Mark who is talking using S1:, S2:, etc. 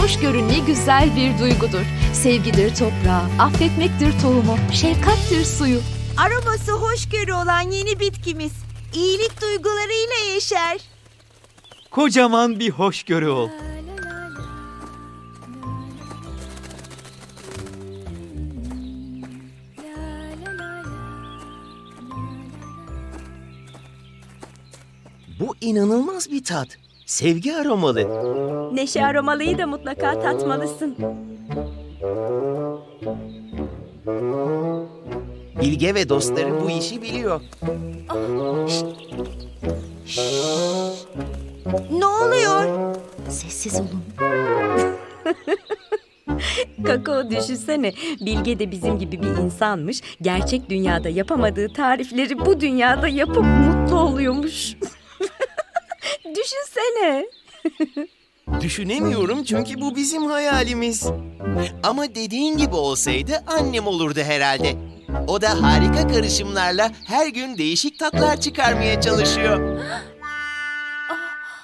S1: Hoşgörü ne güzel bir duygudur. Sevgidir toprağı, affetmektir tohumu, şefkattir suyu.
S2: Aroması hoşgörü olan yeni bitkimiz. İyilik duygularıyla yeşer.
S3: Kocaman bir hoşgörü ol.
S4: Bu inanılmaz bir tat. Sevgi aromalı.
S2: Neşe aromalıyı da mutlaka tatmalısın.
S4: Bilge ve dostları bu işi biliyor.
S2: Ne oluyor?
S1: Sessiz olun.
S5: Kakao düşünsene, Bilge de bizim gibi bir insanmış. Gerçek dünyada yapamadığı tarifleri bu dünyada yapıp mutlu oluyormuş. Düşünsene.
S4: Düşünemiyorum çünkü bu bizim hayalimiz. Ama dediğin gibi olsaydı annem olurdu herhalde. O da harika karışımlarla her gün değişik tatlar çıkarmaya çalışıyor.